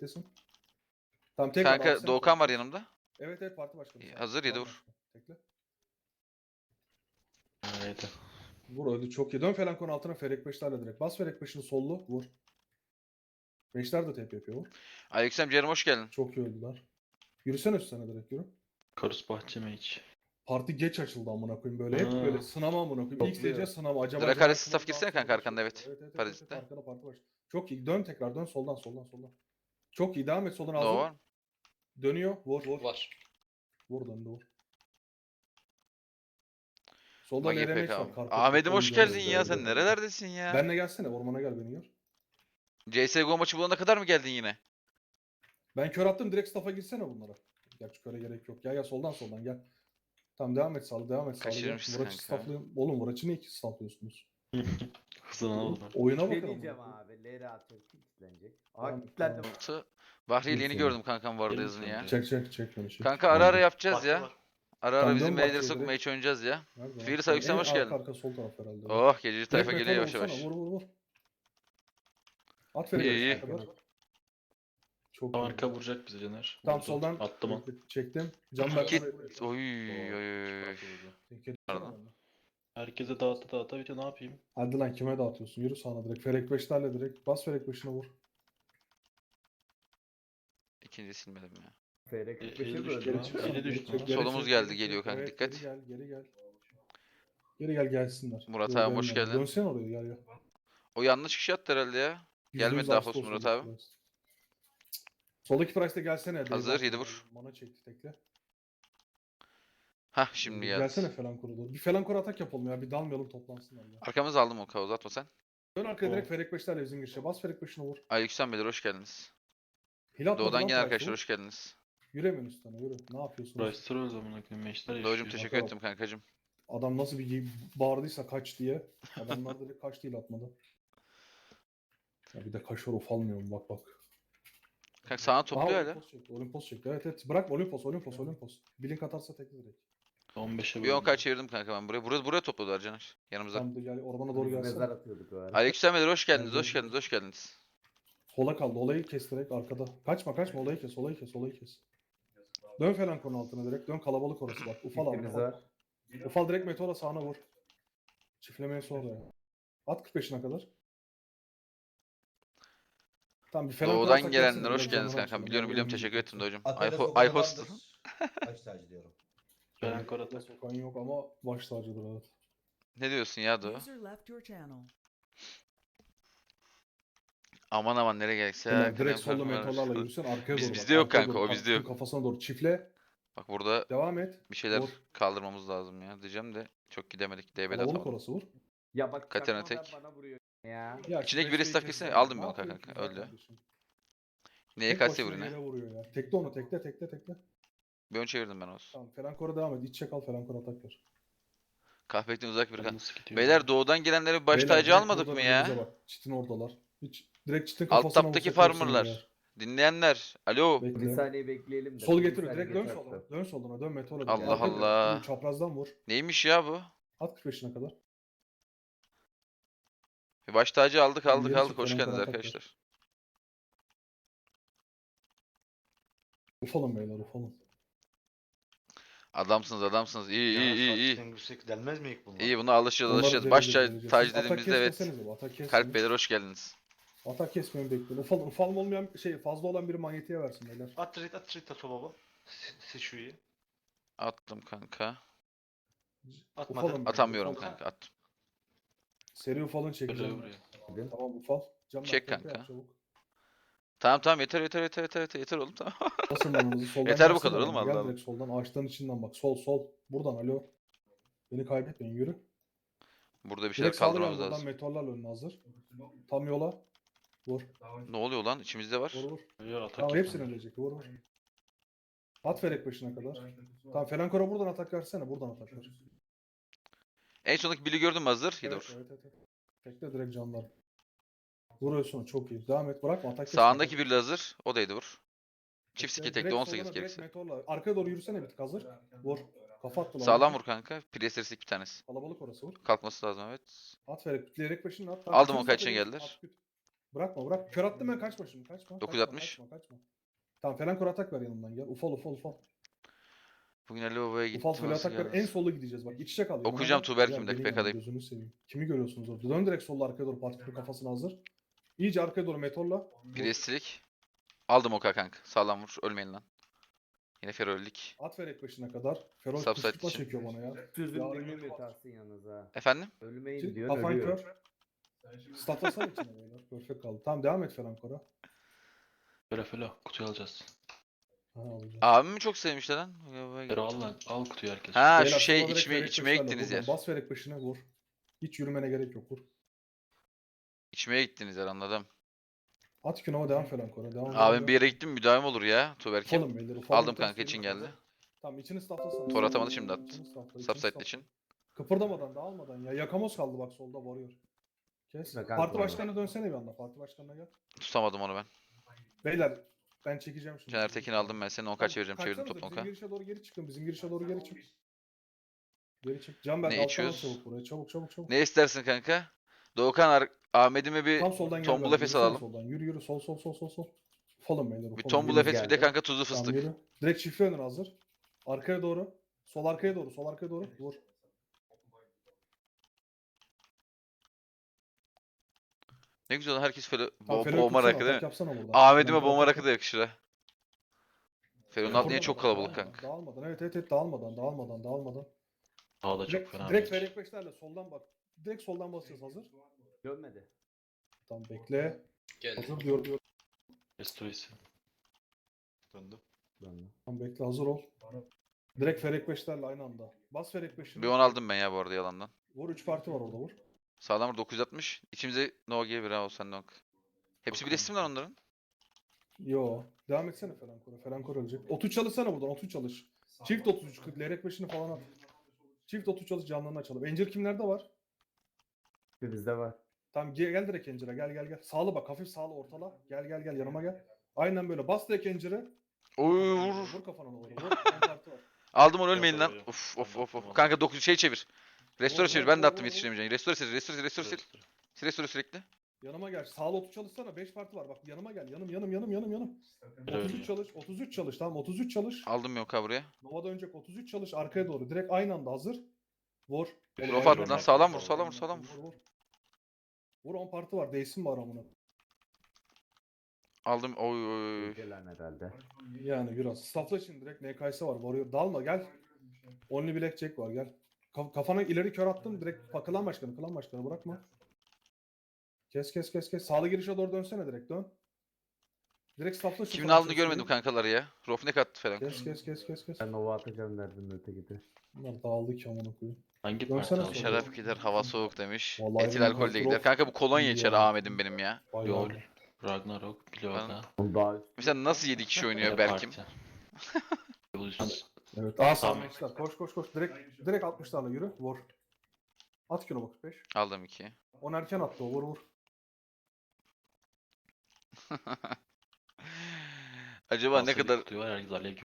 beklesin. Tamam tekrar Kanka alsana. Doğukan var yanımda. Evet evet parti başkanı. sağ ol. Hazır, yedi Var vur. başkan. Tekle. Evet. Vur öldü çok iyi. Dön falan konu altına Ferek 5'lerle direkt. Bas Ferek 5'ini sollu vur. 5'ler de tep yapıyor vur. Aleyküm Cerim hoş geldin. Çok iyi öldüler. Yürüsene üstüne direkt yürü. Karus bahçeme hiç. Parti geç açıldı amına koyayım böyle. Hep böyle sınama amına koyayım. İlk Topluyor. seyirciye sınama. Acaba Dracarys Caner staff Kemal girsene daha kanka sonra arkanda, bir şey evet. yapıyor. Evet Parazit'te. arkada parti baş. Çok iyi. Dön tekrar dön soldan. Çok iyi devam et soldan Nova hazır. var mı? Dönüyor. Vur. Var. Vur döndü vur. Solda Magi LRMX PK. var. Karpet Ahmet'im hoş oyuncu geldin oynuyor. ya, sen nerelerdesin ya? Benle gelsene ormana gel beni gör. CSGO maçı bulana kadar mı geldin yine? Ben kör attım direkt staff'a girsene bunlara. Gerçi köre gerek yok. Gel soldan gel. Tamam devam et sağlı devam et sağlı. Kaçırmışsın Murat'ı kanka. stafflayın. Oğlum Murat'ı niye iki stafflıyorsunuz? Hızını aldılar. Oyuna Ne bakın. diyeceğim abi? Leri atıyor. Kilitlenecek. Tamam, Aa kilitlendim. tamam. Bahriye yeni Lütfen. gördüm kankam bu arada Gelin yazını sen ya. buraya. Çek beni çek. Kanka ara ara Nerede? yapacağız ya. Ara ara Tamam, bizim dön beyleri Bahçe'ye sokmaya direkt. oynayacağız ya. Nerede lan? Firis Tamam, Aleyküm hoş en geldin. Arka sol taraf herhalde. Oh gececi tayfa Direkt geliyor metal yavaş olsana, yavaş. Vur. At İyi, Ferek iyi. kadar. Çok Tam iyi. arka vuracak bize Caner. Tam Vurdu. soldan Attım o. çektim. Can Kit. Berk'e Oy. Pardon. Herkese dağıta bitiyor, ne yapayım? Hadi lan kime dağıtıyorsun? Yürü sağına direkt. Ferek 5'lerle direkt. Bas Ferek 5'ine vur. İkinci silmedim ya. Feyrek Eli 45'e düştü böldü. lan. Eli düştü lan. Solumuz geldi, geliyor kanka, Evet, dikkat. Geri gel gelsinler. Murat Yok, abi, hoş gelmiyor. geldin. Dönsene oraya gel. O yanlış kişi attı herhalde ya. Gelmedi %100 daha hasta fazla Murat soldaki abi. price. Soldaki price'te gelsene. Hazır, Dave 7 Barton. vur. Mana çekti tekle. Hah şimdi Gelsene geldi. falan koru. Bir falan koru atak yapalım ya. Bir dalmayalım toplansınlar ya. Arkamızı aldım o kavu, uzatma sen. Dön arkaya direkt Ferek 5'lerle bizim girişe. Bas Ferek 5'ine vur. Aleyküm beyler hoş geldiniz. Hil atmadı Doğudan lan gelen price'e, arkadaşlar vur. hoş geldiniz. Yürüyemiyorsun üstüne yürü. Ne yapıyorsunuz? Price sıra o zaman akıllı meşler Doğucum yaşıyor. teşekkür Bakalım. ettim kankacım. Adam nasıl bir bağırdıysa kaç diye. Adamlar direkt kaç değil atmadı. Ya bir de kaşar ufalmıyor mu bak. Kanka sana Aha topluyor hala. Olympus çekti. Evet. Bırak Olympus. Blink atarsa tekli direkt. 15'e Bir 10 bölündü. çevirdim kanka ben buraya. Buraya topladılar Caner. Yanımıza. Tam da gel ormana doğru Biz gelsene. mezar atıyorduk o ara. Aleyküm beyler hoş geldiniz, Gel, hoş gel. geldiniz, hoş geldiniz. Sola kaldı. Olayı kes direkt arkada. Kaçma olayı kes. Dön falan konu altına direkt. Dön kalabalık orası bak. Ufal abi. Çiftimiz var. Ufal direkt meteora sağına vur. Çiftlemeye sonra ya. At 45'ine kadar. Tamam bir falan Doğudan kurarsak gelenler gelsene, hoş biraz geldiniz canını kankam. açalım. Biliyorum Oyun teşekkür ettim bitecek. Doğucum. Atölye I host. sokadandır. Baş tacı diyorum. Gelen kor atak. Sokan yok ama baş tacıdır evet. Ne diyorsun ya Doğu? User left your channel. Aman aman nereye gerekse ya. Ulan direkt kalem solda farkı var. mentorlarla yürüsün arkaya Biz- doğru. bizde bak, yok arkaya kanka, doğru, o bizde kaktın yok. Kafasına doğru çifle. Bak burada Devam et. bir şeyler Vur. kaldırmamız lazım ya diyeceğim de çok gidemedik. DB'de Kalabalık atamadım. orası vur. Ya bak Katerina çakmadan tek. bana vuruyor ya. Ya İçindeki şu biri Rex'e staff kesin. kesin aldım Ne ben onu yapıyorsun kanka. güzel Öldü. kardeşim? Neye Tek kalse başına vur yine. yere vuruyor ya. Tekle onu tekle. Bir ön çevirdim ben olsun. Tamam Felankora devam et. İç çek al Felankora atak ver. Kahpekten uzak bir kan. Nasıl gidiyor? Beyler doğudan gelenleri baş Beyler, tacı direkt almadık buradan mı ya? önümüze bak. Çitin oradalar. Hiç direkt çitin Alt kafasına taptaki vursak hepsini farmerlar. yer. Dinleyenler. Alo. Bekle. Bir saniye bekleyelim de. Sol Bir getiriyor. saniye Direkt dön geç soluna. attı. Dön soluna. Dön meteora. Allah Arkaya dön. Allah. Yürü, çaprazdan vur. Neymiş ya bu? At 45'ine kadar. Bir baş tacı aldık Tamam, aldık geri aldık. çık, Hoş falan geldiniz falan tak ver. arkadaşlar. Ufalın beyler ufalın. Adamsınız adamsınız. İyi iyi iyi iyi. Yüksek denmez mi ilk bunlar? İyi buna alışacağız Onları alışacağız. vereceğiz, Baş vereceğiz. tacı Siz atak dediğimizde evet. kesmesenize bu, atak kesmeyin. Kalp beyler hoş geldiniz. Atak kesmeyin bekleyin. Ufalım olmayan fazla olan biri manyetiğe versin beyler. At trade at baba. Seçuyu. Attım kanka. Atmadım. Ufalım. Atamıyorum Ufalın. kanka attım. Seri ufalın Buraya çekeceğim. buraya. Tamam ufal. Can Çek Berk, kanka. yap çabuk. Tamam yeter oğlum tamam. Basın manınızı soldan Yeter bu gelsene kadar oğlum, bana. Gel Allah direkt soldan ağaçların içinden bak. Sol. Buradan alo. Beni kaybetmeyin yürü. Burada bir şeyler Direkt sağlı gel kaldırmamız buradan lazım. meteorlarla önüne hazır. Tam yola. Vur. Ne oluyor lan? İçimizde var. Vur. Beyler atak Tamam yapın. hepsini ölecek. Vur. At Ferek başına kadar. Tamam Felankora buradan atak versene. Buradan atak ver. En sondaki Billy gördüm hazır. Yedi Evet, vur. evet. Tekle direkt canlar. Vuruyorsun çok iyi. Devam et bırakma atak. Sağındaki Billy hazır. O da yedi vur. Çift Tekle, siki tekle direkt 18 soluna, direkt gerekirse. meteorla. Arkaya doğru yürüsene bir tık hazır. Vur. Kafa attı lan. Sağlam vur kanka. Priesters'lik bir tanesi. Kalabalık orası vur. Kalkması lazım evet. At Ferek. Bitleyerek başını at. Aldım Bütün o kaçına staff'ı geldiler. at, küt. Bırakma bırak. Kör attım ben, kaçma şimdi. Kaçma. 960. Kaçma. Tamam falan kor atak ver yanımdan gel. Ufal. Bugün Ali Baba'ya gitti. Ufal falan nasıl atak ver. geldi? En sola gideceğiz bak. İç içe kal. yanıma Okuyacağım gel. Tuğberk'imde, Gel, gelin yanıma, PK'dayım. gözünü seveyim. Kimi görüyorsunuz orada? Dön direkt solla arkaya doğru. Partikül kafasına hazır. İyice arkaya doğru meteorla. Priestlik. Aldım oka kanka. Sağlam vur. Ölmeyin lan. Yine Ferollik. At ver ek başına kadar. Ferol Subside kışkırtma için. çekiyor bana ya. Sözüm Ya, dinlemiyor Tahsin yalnız ha. Efendim? Ölmeyin Şimdi diyor, kafan ölüyor. kör. Statlasana içine beyler. Perfect kaldı. Tamam devam et falan kora. Felo kutuyu alacağız. Ha, alacağım. Abimi çok sevmişler lan. Fero al lan. Al kutuyu herkes. Ha Beyler, şu şey sola direkt içmeye vererek içmeye başlarla gittiniz vur. yer. Bas vererek başına vur. Hiç yürümene gerek yok vur. İçmeye gittiniz yer, anladım. At Kunova devam falan kora. Devam. Abim bir yere gittim, müdahim olur ya Tuğberk'im. Ufalım beyler. Ufalım Aldım kanka, için geldi. Tamam içini staflasana. Tor atamadı, şimdi attı. İçini stafla, içini Subside stafla. için. Kıpırdamadan dağılmadan ya. Yakamoz kaldı bak solda varıyor. Kes. Ne kanka Parti var? başkanına dönsene bir anda. Parti başkanına gel. Tutamadım onu ben. Beyler ben çekeceğim şimdi. Caner Tekin aldım ben, senin 10 kaç vereceğim, çevirdim Kaçsanıza, toplam bizim 10k. girişe doğru geri çıkın. Bizim girişe doğru geri çık. Geri çık. Canberk Ne alttan al içiyoruz? çabuk buraya. Çabuk. Ne istersin kanka? Doğukan Ahmet'ime bir Tam soldan gel. tombul ben. efes Yürüsene alalım. Soldan. Yürü. Sol. Falın beyler. Bir ufalın. tombul Yürü. efes, bir de geldi. kanka tuzlu Tamam, fıstık. yürü. Direkt çiftli önür hazır. Arkaya doğru. Sol arkaya doğru. Vur. Ne güzel lan, herkes böyle Tamam, Felo'yu bomba tutsana, rakı değil atak mi? yapsana buradan. Ahmet'ime Flank bomba atak rakı da yap. yakışır ha. Fero'nun Dağılmadan, altı niye çok kalabalık kanka? Dağılmadan. Evet. Dağılmadan. Daha da çok Direkt, fena. direkt Ferik Beşler'le soldan bak. Direkt soldan basacağız hazır. Dönmedi. Tamam bekle. Geldi. Hazır diyor. Restoresi. Döndü. Döndü. Tamam bekle, hazır ol. Direkt Ferik Beşler'le aynı anda. Bas Ferik Beş'ini. Bir 10 aldım ben ya bu arada yalandan. Vur 3 parti var orada vur. Sağlam vur 960. İçimize no G bir ha, o sen nok. Hepsi bir resim lan onların. Yo. Devam etsene Ferankora. Ferankor ölecek. 30 çalışsana buradan. 30 çalış. Çift 33. Lerek Beş'ini falan at. Çift 30 çalış, canlarını açalım. Encir kimlerde var? Bizde var. Tamam gel direkt Encir'e. Gel. Sağlı bak. Hafif sağlı ortala. Gel yanıma gel. Aynen böyle. Bas direkt Encir'e. Oy vur. Vur kafana doğru. Vur. 10 parti var. Aldım onu, ölmeyin lan. Yapamıyor. Of. Kanka 9 şey çevir. Restore Vur, çevir. vur, Ben de vur, attım vur, yetiştiremeyeceğim. Restore sil. Restore sürekli. Yanıma gel. Sağlı 30 çalışsana. 5 parti var. Bak yanıma gel. Yanım. Fero 33 ölüyor. çalış. 33 çalış. Tamam 33 çalış. Aldım yok ha buraya. Nova'da önceki 33 çalış. Arkaya doğru. Direkt aynı anda hazır. Vur. Prof attı lan, sağlam vur. Vur 10 parti var. Değsin var amına. Aldım. Oy. Gelen herhalde. Yani biraz. Staffla için direkt NKS var. Varıyor. Dalma gel. Only Blackjack var gel. Kafana ileri kör attın. Direkt klan başkanı bırakma. Kes. Sağlı girişe doğru dönsene direkt dön. Direkt staffla şu Kimin Fransız aldığını görmedim şeyi. kankaları ya. Rofnek attı falan. Kes. Ben Nova atacağım derdim ötekide. Bunlar dağıldı ki amına koyayım. Hangi Dönsene parti sonra. aldı? Şarap gider, hava soğuk demiş. Vallahi Etil benim alkol de kontrol- gider. Kanka bu kolonya İyi içer ya. Ahmet'im benim ya. Bayağı. LoL. Ragnarok. Leona. Onu daha üst. Mesela nasıl 7 kişi oynuyor Berk'im? Evolution. Evet. Tamam. Sağmışlar. Koş. Direkt 60'larla yürü. Vur. At kilo bak 5. Aldım 2. 10 erken attı o. Vur. Acaba ne Asıl bir kadar kutuyu var, herkes alev gibi